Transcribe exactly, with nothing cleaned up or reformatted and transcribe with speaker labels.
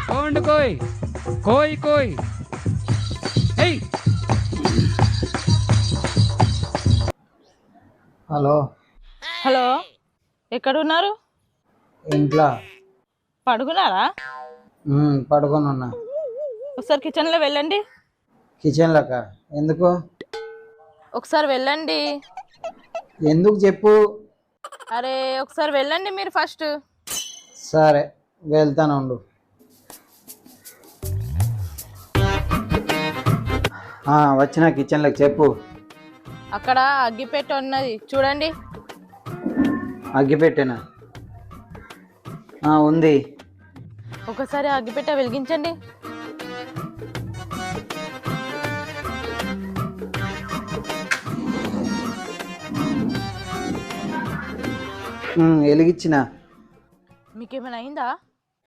Speaker 1: Sound కోయ్ కోయ్ కోయ్. ఏయ్
Speaker 2: హలో,
Speaker 3: హలో, ఎక్కడున్నారు?
Speaker 2: ఇంట్లో
Speaker 3: పడుకున్నారా?
Speaker 2: ఉమ్, పడుకొని ఉన్నా.
Speaker 3: ఒకసారి కిచెన్లో వెళ్ళండి.
Speaker 2: కిచెన్లోక? ఎందుకు?
Speaker 3: ఒకసారి వెళ్ళండి.
Speaker 2: ఎందుకు చెప్పు.
Speaker 3: అరే ఒకసారి వెళ్ళండి మీరు ఫస్ట్.
Speaker 2: సరే వెళ్తాను ఉండు. ఆ, వచ్చిన కిచెన్లోకి చెప్పు.
Speaker 3: అక్కడ అగ్గిపెట్టె ఉన్నది చూడండి.
Speaker 2: అగ్గిపెట్టెనా? ఆ, ఉంది.
Speaker 3: ఒకసారి అగ్గిపెట్టె వెలిగించండి.
Speaker 2: ఉమ్, వెలిగించిన.
Speaker 3: మీకేమైనా అయిందా?